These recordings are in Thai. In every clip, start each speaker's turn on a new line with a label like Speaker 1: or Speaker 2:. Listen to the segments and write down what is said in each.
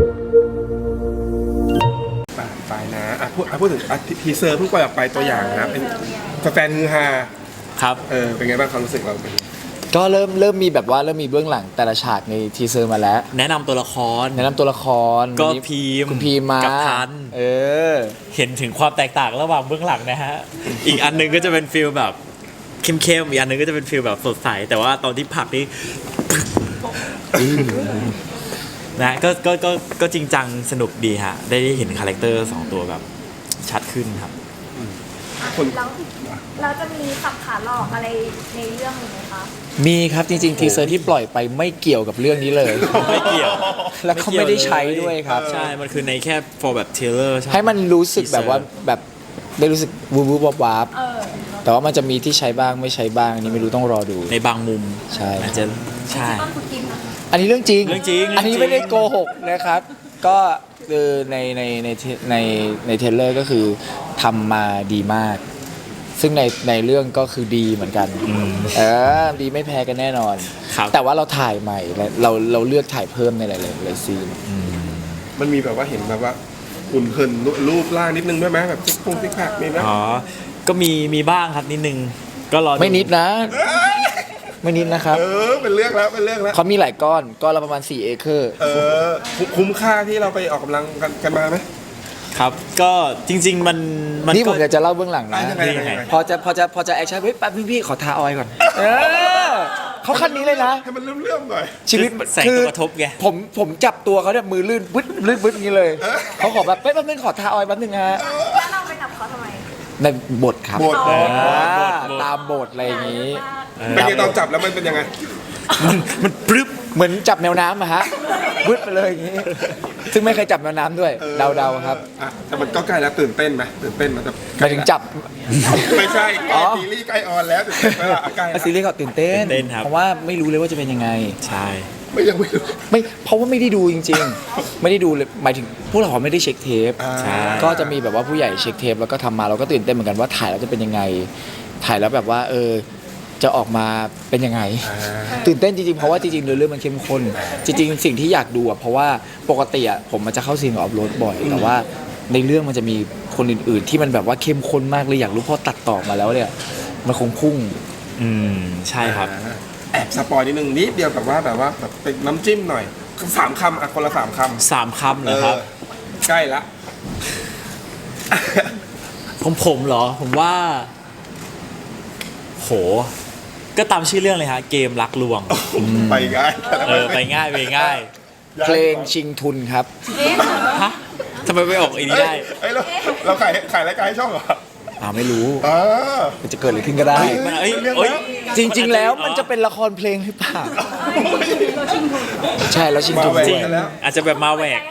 Speaker 1: ไปนะพูดถึงทีเซอร์เพิ่งปล่อยออกไปตัวอย่างนะเป็นแฟนฮือฮา
Speaker 2: ครับ
Speaker 1: เป็นไงบ้างความรู้สึกเรา
Speaker 3: ก็เริ่มมีแบบว่าเริ่มมีเบื้องหลังแต่ละฉากในทีเซอร์มาแล้ว
Speaker 2: แนะนำตัวละคร
Speaker 3: ก็
Speaker 2: คุณพีม
Speaker 3: มา
Speaker 2: กับทันเห็นถึงความแตกต่างระหว่างเบื้องหลังนะฮะอีกอันนึงก็จะเป็นฟีลแบบเข้มๆอีกอันนึงก็จะเป็นฟีลแบบสดใสแต่ว่าตอนที่ผักนี่นะก็จริงจังสนุกดีฮะได้เห็นคาแรคเตอร์2ตัวแบบชัดขึ้นครับ
Speaker 4: แล้วจะมีสับขาหลอกอะไรในเรื่องไหมคะ
Speaker 3: มีครับจริงๆทีเซอร์ที่ปล่อยไปไม่เกี่ยวกับเรื่องนี้เลย
Speaker 2: ไม่เกี่ยว
Speaker 3: แล้วเขาไม่ได้ใช้ด้วยครับ
Speaker 2: ใช่มันคือในแค่ for แบบ trailer
Speaker 3: ให้มันรู้สึกแบบว่าแบบได้รู้สึกวูบวับแต่ว่ามันจะมีที่ใช้บ้างไม่ใช้บ้างอันนี้ไม่รู้ต้องรอดู
Speaker 2: ในบางมุม
Speaker 3: ใช่
Speaker 2: อาจจะใช่
Speaker 3: อันนี้เรื่องจริงอันนี้ไม่ได้โกหกนะครับก็คือในเทรลเลอร์ก็คือทำมาดีมากซึ่งในเรื่องก็คือดีเหมือนกันดีไม่แพ้กันแน่นอนแต่ว่าเราถ่ายใหม่เราเลือกถ่ายเพิ่มในหลายซีน
Speaker 1: มันมีแบบว่าเห็นแบบว่าหุ่นเหินรูปร่างนิดนึงด้วยไหมแบบซิกแพคมีไหม
Speaker 2: ก็มีบ้างครับนิดนึงก็รอ
Speaker 3: ไม่นิดนะไม่นิดนะครับ
Speaker 1: เป็นเรื่องแล้ว
Speaker 3: เขามีหลายก้อนละประมาณ4 เอเคอร์
Speaker 1: คุ้มค่าที่เราไปออกกำลังกันมาไหม
Speaker 2: ครับก็จริงๆมัน
Speaker 3: นี่ผมอยากจะเล่าเบื้องหลังนะพอจะแอคชั่นเฮ้ยแป๊บพี่ขอทาออยก่อนเขาคันนี้เลยนะ
Speaker 1: ให้มันเลื่อมๆหน่อย
Speaker 3: ชีวิต
Speaker 2: แสงกระทบไง
Speaker 3: ผมจับตัวเขาเนี่ยมือลื่นบึ้ดนี้เลยเขาขอแบบแป๊บนึงขอทาออยแป๊บนึงฮะ
Speaker 4: แล้วเราไปจับเขาทำไม
Speaker 3: ในบทครับ
Speaker 1: บท
Speaker 3: ตามบทอะไรอย่างนี้
Speaker 1: เป็นยังตอนจับแล้วมันเป็นยังไง
Speaker 3: มันปรึ๊บเหมือนจับแมวน้ำอะฮะบึ้ดไปเลยอย่างนี้ซึ่งไม่เคยจับแมวน้ำด้วยเดาครับ
Speaker 1: แต่มันก็ใกล้แล้วตื่นเต้นไหมตื่นเต้นมันจะ
Speaker 3: หมายถึงจับ
Speaker 1: ไม่ใช่ซีรีส์ใกล้ออนแล้วตื่นเต้นไหมล่ะใกล้
Speaker 3: ซีรีส์เขาตื่นเต้นเพราะว่าไม่รู้เลยว่าจะเป็นยังไง
Speaker 2: ใช่
Speaker 1: ยังไม่รู้
Speaker 3: เพราะว่าไม่ได้ดูจริงๆไม่ได้ดูเลยหมายถึงพวกเราไม่ได้เช็คเทปก็จะมีแบบว่าผู้ใหญ่เช็คเทปแล้วก็ทำมาเราก็ตื่นเต้นเหมือนกันว่าถ่ายแล้วจะเป็นยังไงถ่ายแล้วแบบว่าจะออกมาเป็นยังไงตื่นเต้นจริงๆเพราะว่าจริงๆเรื่องมันเข้มข้นจริงๆสิ่งที่อยากดูเพราะว่าปกติผมมันจะเข้าซีนกับออฟโรดบ่อยแต่ว่าในเรื่องมันจะมีคนอื่นๆที่มันแบบว่าเข้มข้นมากเลยอยากรู้พอตัดต่อมาแล้วเนี่ยมันคงพุ่ง
Speaker 2: ใช่ครับ
Speaker 1: แอบสปอยนิดนึงนิดเดียวแบบว่าเป็นน้ำจิ้มหน่อย3 คำคนละ3 คำ
Speaker 2: 3 คำเหรอครับ
Speaker 1: ใกล้ละ
Speaker 2: ผมเหรอผมว่าโหก็ตามชื่อเรื่องเลยฮะเกมรักลวง
Speaker 1: ไปง่าย
Speaker 2: ไปง่าย
Speaker 3: เพลงชิงทุนครับ
Speaker 2: ฮะทำไมไม่ออกอีนี้ได้
Speaker 1: เราขายรายการให้ช่องเหรอ
Speaker 3: ไม่รู้มันจะเกิดอะไรขึ้นก็ได้จริงๆแล้วมันจะเป็นละครเพลงหรือเปล่าใช่แล้วชิงทุน
Speaker 2: จริงอาจจะแบบมาแหวก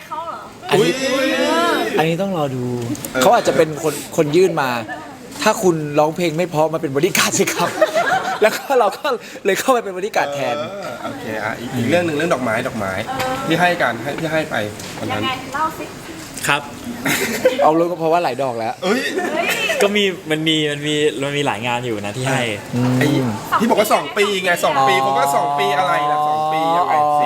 Speaker 3: อันนี้ต้องรอดูเขาอาจจะเป็นคนยื่นมาถ้าคุณร้องเพลงไม่เพราะมาเป็นบริการสิครับแล้วก็เราก็เลยเข้าไปเป็นบริการแทน
Speaker 1: โอเคอีกเรื่องหนึ่งเรื่องดอกไม้ที่ให้กันที่ให้ไปวันนั้น
Speaker 4: เล่าสิ
Speaker 2: ครับ
Speaker 3: เอาเลยก็เพราะว่าหลายดอกแล้ว
Speaker 2: ก็มันมีหลายงานอยู่นะที่ให้
Speaker 1: ที่บอกว่า2 ปีไง2 ปีผมก็2 ปีอะไรล่ะ2 ปียังไงสิ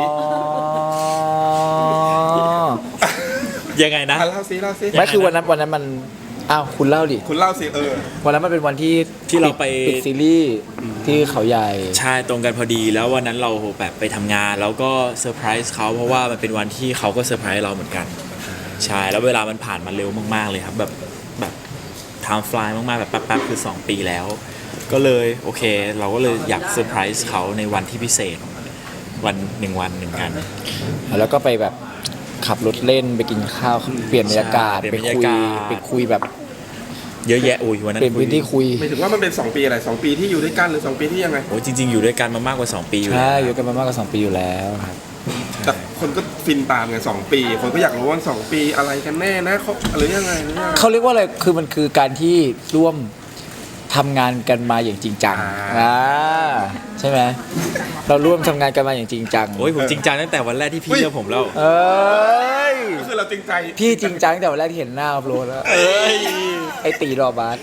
Speaker 2: ยังไงนะ
Speaker 1: เล่าสิ
Speaker 3: ไม่คือวันนั้นมันคุณเล่าดิ
Speaker 1: คุณเล่าสิ
Speaker 3: วันนั้นมันเป็นวันที่
Speaker 2: เราไป
Speaker 3: ปิดซีรีส์ที่เขาใหญ่
Speaker 2: ใช่ตรงกันพอดีแล้ววันนั้นเราแบบไปทำงานแล้วก็เซอร์ไพรส์เขาเพราะว่ามันเป็นวันที่เขาก็เซอร์ไพรส์เราเหมือนกันใช่แล้วเวลามันผ่านมาเร็วมากๆเลยครับแบบไทม์ฟลายมากๆแบบแป๊บๆคือ2 ปีแล้วก็เลยโอเคเราก็เลยอยากเซอร์ไพรส์เขาในวันที่พิเศษวัน1 1กัน
Speaker 3: แล้วก็ไปแบบขับรถเล่นไปกินข้าวเปลี่ยนบรรยากาศไปคุยแบบ
Speaker 2: เยอะแยะวันนั้น
Speaker 3: เป็นพื้นที่คุย
Speaker 1: หมายถึงว่ามันเป็น2 ปีอะไร2 ปีที่อยู่ด้วยกันหรือ2 ปีที่ยังไง
Speaker 2: จริงๆอยู่ด้วยกันมามากกว่า2 ปีอยู่
Speaker 3: ใช่อยู่กันมามากกว่า2 ปีอยู่แล้วครับ
Speaker 1: แต่คนก็ฟินตามกัน2 ปีคนก็อยากรู้ว่า2 ปีอะไรกันแน่นะเขาหรือยังไง
Speaker 3: เขาเรียกว่าอะไรคือมันคือการที่ร่วมทำงานกันมาอย่างจริงจังใช่ไหมเราร่วมทำงานกันมาอย่างจริงจัง
Speaker 2: ผมจริงจังตั้งแต่วันแรกที่พี่เจอผมแล้ว
Speaker 1: ก็คือเราจริงใจ
Speaker 3: พี่จริงจังตั้งแต่วันแรกที่เห็นหน้าอัพโหลดแล้วไอตีดอกบาส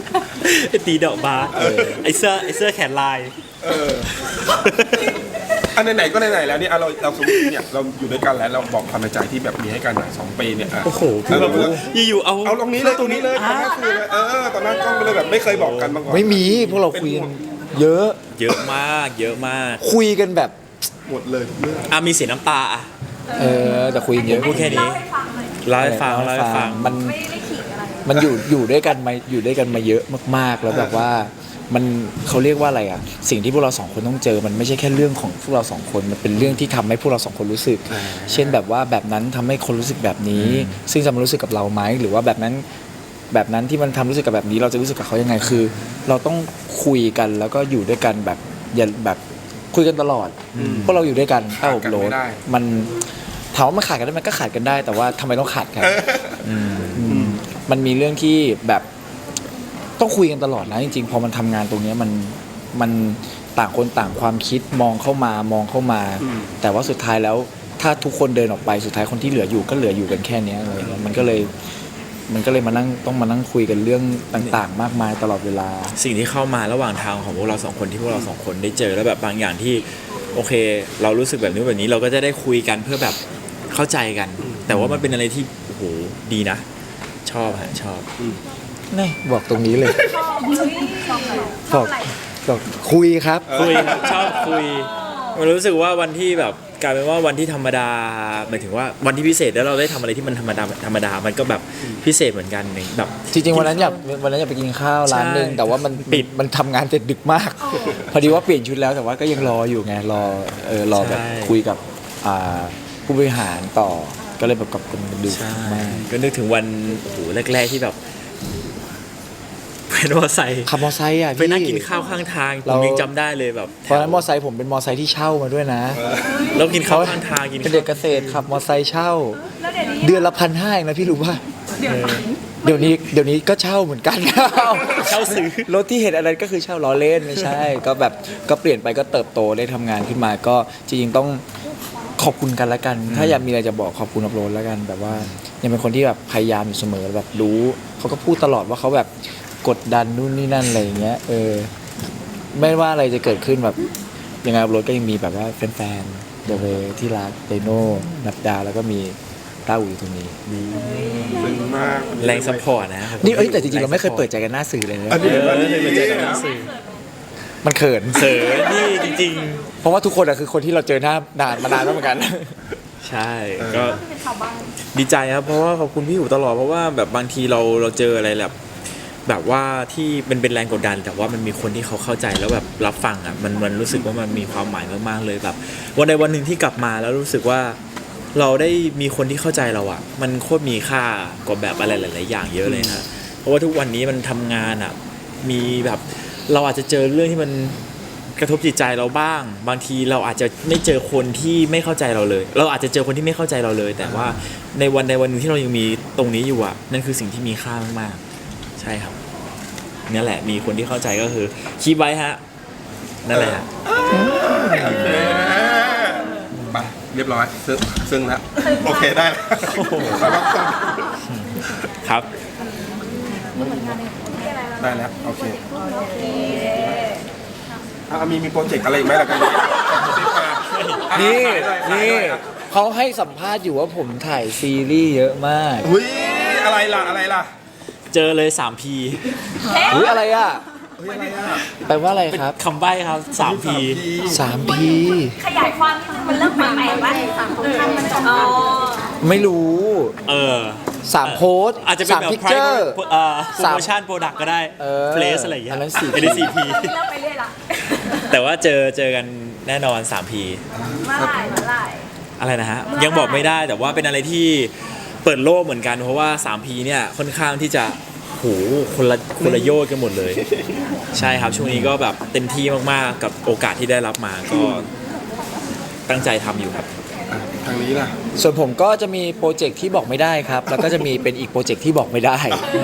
Speaker 2: ไอตีดอกบาสไอเสื้อแขนลาย
Speaker 1: อันไหนๆก็ไหนๆแล้วเนี่ยเราสมมติเนี่ยเราอยู่ด้วยกันแล้วเราบอกความในใจที่แบบมีให้กันหน่อย2 ปีเนี่ย
Speaker 2: โอ้โหคือแบบอยู่ๆเอา
Speaker 1: เอาตรงนี้เลยตรงนี้เลยตอนนั้นคือเลยตอนนั้นก็เลยแบบไม่เคยบอกกันมาก่อน
Speaker 3: ไม่มีพวกเราคุยกันเยอะ
Speaker 2: เยอะมากเยอะมาก
Speaker 3: คุยกันแบบ
Speaker 1: หมดเลยทุกเรื่อง
Speaker 2: มีเสียน้ำตาอ่ะ
Speaker 3: แต่คุยกันเยอะ
Speaker 2: พูดแค่นี้
Speaker 4: เล่าให้ฟังหน่อย
Speaker 2: เล่าให้ฟัง
Speaker 3: มัน
Speaker 4: ไม่ขิงอะไร
Speaker 3: มันอยู่ด้วยกันมาเยอะมากๆแล้วแบบว่ามันเขาเรียกว่าอะไรอ่ะสิ่งที่พวกเรา2 คนต้องเจอมันไม่ใช่แค่เรื่องของพวกเรา2 คนมันเป็นเรื่องที่ทำให้พวกเรา2 คนรู้สึก เช่นแบบว่าแบบนั้นทำให้คนรู้สึกแบบนี้ ซึ่งจะมารู้สึกกับเราไหมหรือว่าแบบนั้นที่มันทำรู้สึกกับแบบนี้เราจะรู้สึกกับเขายังไงคือ เราต้องคุยกันแล้วก็อยู่ด้วยกันแบบอย่าแบบคุยกันตลอดพวกเราอยู่ด้วยกันใต้อบโรดมันถามว่ามันขาดกันได้ไหมก็ขาดกันได้ แต่ว่าทำไมต้องขาดกันมันมีเรื่องที่แบบต้องคุยกันตลอดนะจริงๆพอมันทำงานตรงนี้มันต่างคนต่างความคิดมองเข้ามาแต่ว่าสุดท้ายแล้วถ้าทุกคนเดินออกไปสุดท้ายคนที่เหลืออยู่ก็เหลืออยู่กันแค่นี้อะไรเงี้ยมันก็เลยมานั่งต้องมานั่งคุยกันเรื่องต่างๆ มากมายตลอดเวลา
Speaker 2: สิ่งที่เข้ามาระหว่างทางของพวกเรา2 คนที่พวกเรา2 คนได้เจอแล้วแบบบางอย่างที่โอเค เรารู้สึกแบบนี้เราก็จะได้คุยกันเพื่อแบบเข้าใจกัน แต่ว่ามันเป็นอะไรที่โอ้โหดีนะ ชอบ
Speaker 3: นี่บอกตรงนี้เลย
Speaker 4: ชอบเฮ้ยชอบอะไรชอบอะไร
Speaker 3: บอกคุยครับ
Speaker 2: คุยครับชอบคุยมันรู้สึกว่าวันที่แบบกลายเป็นว่าวันที่ธรรมดาหมายถึงว่าวันที่พิเศษแล้วเราได้ทำอะไรที่มันธรรมดามันก็แบบพิเศษเหมือนกันแบบ
Speaker 3: จริงๆวันนั้นอยากไปกินข้าวร้านนึงแต่ว่ามัน
Speaker 2: ปิด
Speaker 3: มันทำงานเสร็จดึกมาก พอดีว่าเปลี่ยนชุดแล้วแต่ว่าก็ยังรออยู่ไงรอแบบคุยกับผู้บริหารต่อก็เลยแบบกับคนดึกมาก
Speaker 2: ก็นึกถึงวันโอ้โหแรกๆที่แบบเป็นมอไซค์
Speaker 3: ขับมอไซค์อ่ะ
Speaker 2: ไปนั่งกินข้าวข้างทางผมยังจำได้เลยแบบ
Speaker 3: ตอนนั้นมอไซค์ผมเป็นมอไซค์ที่เช่ามาด้วยนะ
Speaker 2: แล้วกินข้าวข้างทางกิน
Speaker 3: เป็นเด็กเกษตรขับมอไซค์เช่า
Speaker 4: แล้วเดี๋ยวนี้
Speaker 3: เดือนละ1,500เองนะพี่รู้ป่ะเดี๋ยวนี้ก็เช่าเหมือนกัน
Speaker 2: เช่าซื้อ
Speaker 3: รถที่เห็นอะไรก็คือเช่าล้อเล่นไม่ใช่ ก็แบบก็เปลี่ยนไปก็เติบโตได้ทำงานขึ้นมาก็จริงๆต้องขอบคุณกันละกัน ถ้าอยากมีอะไรจะบอกขอบคุณอัพโหลดละกันแบบว่ายังเป็นคนที่แบบพยายามอยู่เสมอแบบรู้เขาก็พูดตลอดว่าเขาแบบกดดันนู่นนี่นั่นอะไรอย่างเงี้ยไม่ว่าอะไรจะเกิดขึ้นแบบยังไงอัพโหลดก็ยังมีแบบว่าแฟนๆเดอะเวที่รักเดโน่นับดาแล้วก็มีต้าอูอยู่ตรงนี้
Speaker 1: ซึ้งมาก
Speaker 2: แรงซัพพอร์ตนะ
Speaker 3: นี่แต่จริงๆเราไม่เคยเปิดใจกันหน้าสื่อเลยนะ
Speaker 1: อันนี้อันนี้
Speaker 2: เจอกันหน้าสื่อ
Speaker 3: มันเขิน
Speaker 2: เสริมนี่จริง
Speaker 3: เพราะว่าทุกคนอะคือคนที่เราเจอหน้านานมานานแล้วเหมือนกัน
Speaker 2: ๆ ใช่ก็
Speaker 4: ที่เป็นชาวบ้าน
Speaker 2: ดีใจครับเพราะว่าขอบคุณพี่อยู่ตลอดเพราะว่าแบบบางทีเราเจออะไรแบบว่าที่เป็นแรงกดดันแต่ว่ามันมีคนที่เขาเข้าใจแล้วแบบรับฟังอ่ะมันรู้สึกว่ามันมีความหมายมากๆเลยแบบวันใดวันหนึ่งที่กลับมาแล้วรู้สึกว่าเราได้มีคนที่เข้าใจเราอ่ะมันโคตรมีค่ากว่าแบบอะไรหลายๆอย่างเยอะเลยนะเพราะว่าทุกวันนี้มันทำงานอ่ะมีแบบเราอาจจะเจอเรื่องที่มันกระทบจิตใจเราบ้างบางทีเราอาจจะไม่เจอคนที่ไม่เข้าใจเราเลย เราอาจจะเจอคนที่ไม่เข้าใจเราเลย แต่ว่าในวันใดวันหนึ่งที่เรายังมีตรงนี้อยู่อ่ะนั่นคือสิ่งที่มีค่ามากๆใช่ครับนี่แหละมีคนที่เข้าใจก็คือคีบไว้ฮะนั่นแหละฮะ
Speaker 1: ไปเรียบร้อยซึ้งแล้วโอเคได้แล้ว
Speaker 2: ครับ
Speaker 1: ได้แล้วโอเค
Speaker 4: โอเค
Speaker 1: มีโปรเจกต์อะไรอีกไหมล่ะกัน
Speaker 3: นี่เขาให้สัมภาษณ์อยู่ว่าผมถ่ายซีรีส์เยอะมาก
Speaker 1: อุ้ยอะไรล่ะ
Speaker 2: เจอเลย 3P
Speaker 3: อุ้ยอะไรอ่ะแปลว่าอะไรครับ
Speaker 2: คำใบ้ครับ 3P
Speaker 3: 3P
Speaker 4: ขยายความนิดนึงมันเริ่มใหม่ๆว่าสามคนข้างมันจบ
Speaker 3: ไม่รู้ 3 โพสต์
Speaker 2: อาจจะเป็นแบบ
Speaker 3: 3 พิกเจอร์
Speaker 2: promotion product ก็ได้ place อะไรอย่างเงี้ย
Speaker 3: อันนั้น 4P
Speaker 2: อันนี้ 4P
Speaker 4: เริ่มไปเรื่อยละ
Speaker 2: แต่ว่าเจอกันแน่นอน 3P
Speaker 4: เมื่อไหร่
Speaker 2: อะไรนะฮะยังบอกไม่ได้แต่ว่าเป็นอะไรที่เปิดโลกเหมือนกันเพราะว่า 3P เนี่ยค่อนข้างที่จะโหคนละโยชน์กันหมดเลย ใช่ครับช่วงนี้ก็แบบเต็มที่มากๆกับโอกาสที่ได้รับมาก็ตั้งใจทำอยู่ครับ
Speaker 1: ทางนี้ล่ะ
Speaker 3: ส่วนผมก็จะมีโปรเจกต์ที่บอกไม่ได้ครับ แล้วก็จะมีเป็นอีกโปรเจกต์ที่บอกไม่ได้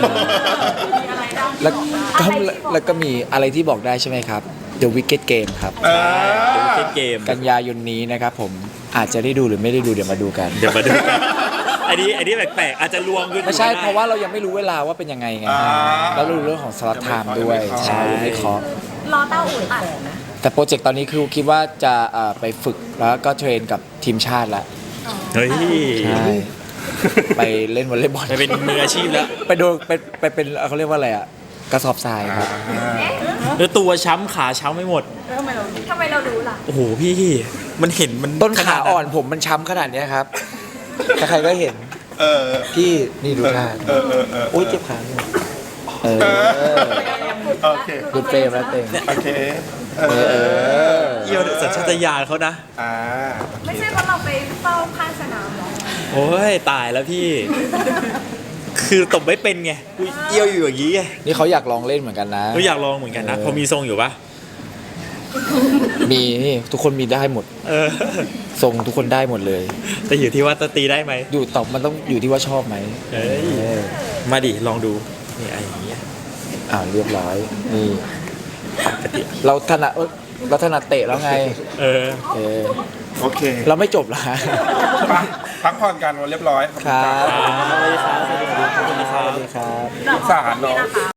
Speaker 3: แล้วก็มีอะไรที่บอกได้ใช่ไหมครับ The Wicked Game ครับ
Speaker 2: เดี๋ยวเล่นเกม
Speaker 3: กันยายนนี้นะครับผมอาจจะได้ดูหรือไม่ได้ดูเดี๋ยวมาดูกัน
Speaker 2: เดี๋ยวมาดูกันอันนี้แปลกๆอาจจะลวงขึ้น
Speaker 3: ไม่ใช่เพราะว่าเรายังไม่รู้เวลาว่าเป็นยังไงไงแล้วเรารู้เรื่องของสล็อตไทม์ด้วยใช่ไม่เคาะ
Speaker 4: รอเต้าอู่อัด
Speaker 3: แต่โปรเจกต์ตอนนี้คือคิดว่าจะไปฝึกแล้วก็เทรนกับทีมชาติแล้ว
Speaker 2: เฮ้ย
Speaker 3: ใช่ไปเล่นวอลเลย์บอล
Speaker 2: ไปเป็นมืออาชีพแล้ว
Speaker 3: ไปโดนไปเป็นเขาเรียกว่าอะไรอ่ะกระสอบทรายครับ
Speaker 2: แล้วตัวช้ำขาช้ำไม่หมด
Speaker 4: ทำไมเรารู้ล่ะ
Speaker 2: โอ้โหพี่มันเห็นมัน
Speaker 3: ต้นขาอ่อน
Speaker 2: ขด
Speaker 3: ผมมันช้ำขนาดเนี้ยครับใครๆก็เห็น
Speaker 1: เออ
Speaker 3: พี่นี่ดูท่า โอ้ยเจ็บขาเนี่ยเออ
Speaker 1: โอเค
Speaker 3: ดูเฟรมแล้วเต็ม
Speaker 1: โอเคเอ
Speaker 3: เออ
Speaker 2: เอี่ยวสัญชาตญาณเขานะ
Speaker 1: อ่า
Speaker 4: ไม่ใช่เพราะเราไปเฝ้าข้างสนามหรอ
Speaker 2: โอ้ยตายแล้วพี่ คือตบไม่เป็นไงกูเอี้ยวอยู่อย่างนี้ไง
Speaker 3: นี่เขาอยากลองเล่นเหมือนกันนะ
Speaker 2: ก็อยากลองเหมือนกันนะ พอมีทรงอยู่ปะ
Speaker 3: มีนี่ทุกคนมีได้หมด
Speaker 2: เออ
Speaker 3: ทรงทุกคนได้หมดเลย
Speaker 2: แต่อยู่ที่ว่าจะตีได้ไหม
Speaker 3: อยู่ตอบมันต้องอยู่ที่ว่าชอบไหม
Speaker 2: เอ้ย
Speaker 3: เออ
Speaker 2: มาดิลองดูนี่ไอ้อย่างเงี้ย
Speaker 3: เรียบร้อยนี่เราถนัดเตะแล้วไง
Speaker 2: เออ
Speaker 3: เออ
Speaker 1: โอเค
Speaker 3: เราไม่จบละ
Speaker 1: ไปพักผ่อนกันวันเรียบร้อยขอบ
Speaker 3: ค
Speaker 1: คุณ
Speaker 3: รับ
Speaker 1: ครับ
Speaker 2: สวัสดีครับ
Speaker 3: สวัสดีครับ
Speaker 1: สงสารเนาะ